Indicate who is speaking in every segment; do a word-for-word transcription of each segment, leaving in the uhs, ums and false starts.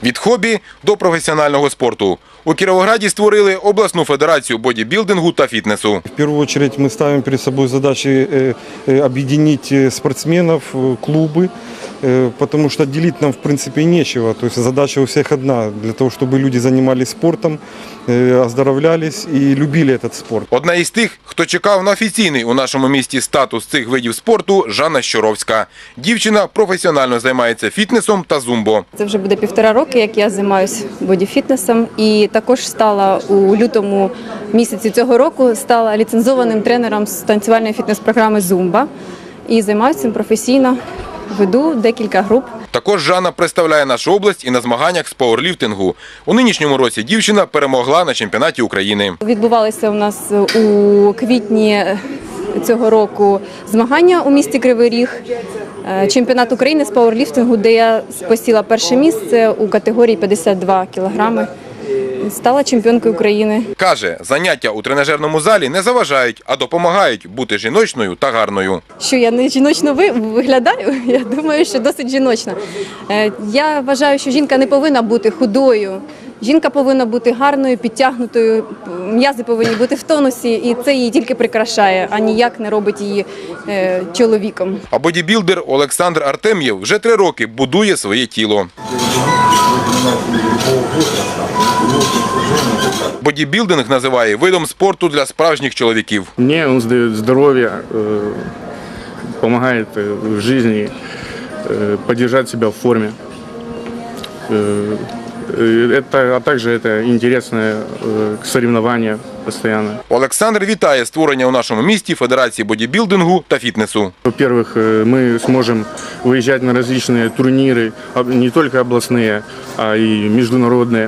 Speaker 1: Від хобі до професіонального спорту. У Кіровограді створили обласну федерацію бодібілдингу та фітнесу.
Speaker 2: В первую очередь мы ставим перед собой задачи объединить спортсменов, клубы, потому что делить нам в принципе нечего. То есть задача у всех одна, для того, чтобы люди занимались спортом, оздоровлялись и любили этот спорт.
Speaker 1: Одна із тих, хто чекав на офіційний у нашому місті статус цих видів спорту – Жанна Щоровська. Дівчина професіонально займається фітнесом та зумбо.
Speaker 3: Це вже буде півтора роки, як я займаюся бодіфітнесом, і також стала у лютому місяці цього року стала ліцензованим тренером з танцювальної фітнес-програми «Зумба» і займаюся цим професійно, веду декілька груп.
Speaker 1: Також Жанна представляє нашу область і на змаганнях з пауерліфтингу. У нинішньому році дівчина перемогла на чемпіонаті України.
Speaker 3: Відбувалися у нас у квітні цього року змагання у місті Кривий Ріг, чемпіонат України з пауерліфтингу, де я посіла перше місце у категорії п'ятдесят два кілограми. Стала чемпіонкою України.
Speaker 1: Каже, заняття у тренажерному залі не заважають, а допомагають бути жіночною та гарною.
Speaker 3: Що я не жіночно виглядаю? Я думаю, що досить жіночна. Я вважаю, що жінка не повинна бути худою. Жінка повинна бути гарною, підтягнутою, м'язи повинні бути в тонусі, і це її тільки прикрашає, а ніяк не робить її е, чоловіком.
Speaker 1: А бодібілдер Олександр Артем'єв вже три роки будує своє тіло. Бодібілдинг називає видом спорту для справжніх чоловіків.
Speaker 4: Мені він дає здоров'я, допомагає в житті підтримати себе в формі. Это, а також це інтересне соревновання постійно.
Speaker 1: Олександр вітає створення у нашому місті Федерації бодібілдингу та фітнесу.
Speaker 4: Во-первых, мы сможем выезжать на различные турниры, не только областные, а и международные,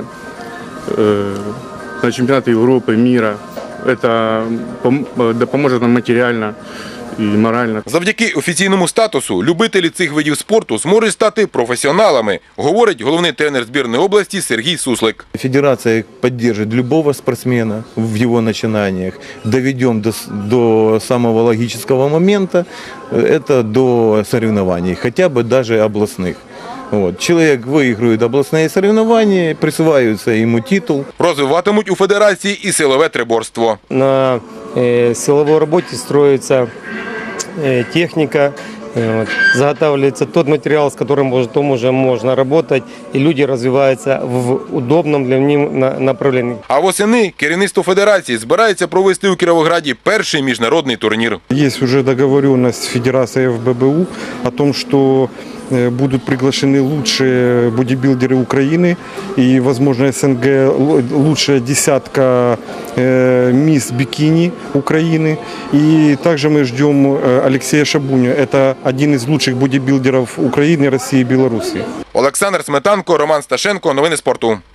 Speaker 4: на чемпионаты Европы, мира. Это поможет нам материально і морально.
Speaker 1: Завдяки офіційному статусу любителі цих видів спорту зможуть стати професіоналами, говорить головний тренер збірної області Сергій Суслик.
Speaker 5: Федерация поддержит любого спортсмена в его начинаниях. Доведем до, до самого логического момента, это до соревнований, хотя бы даже областных. Вот. Человек выигрывает областные соревнования, присваивается ему титул.
Speaker 1: Розвиватимуть у федерації і силове триборство.
Speaker 6: На э, силовой работе строится э, техника, э, вот, заготавливается тот материал, с которым потом уже можно работать, и люди развиваются в удобном для них направлении.
Speaker 1: А восени керівництво федерації збирається провести у Кіровограді перший міжнародний турнір.
Speaker 2: Есть уже договоренность с Федерацией эф бэ бэ у о том, что будут приглашены лучшие бодибилдеры Украины и, возможно, эс эн гэ лучшая десятка э, мисс бикини Украины. И также мы ждем Алексея Шабуню. Это один из лучших бодибилдеров Украины, России и Беларуси.
Speaker 1: Олександр Сметанко, Роман Сташенко. Новини спорту.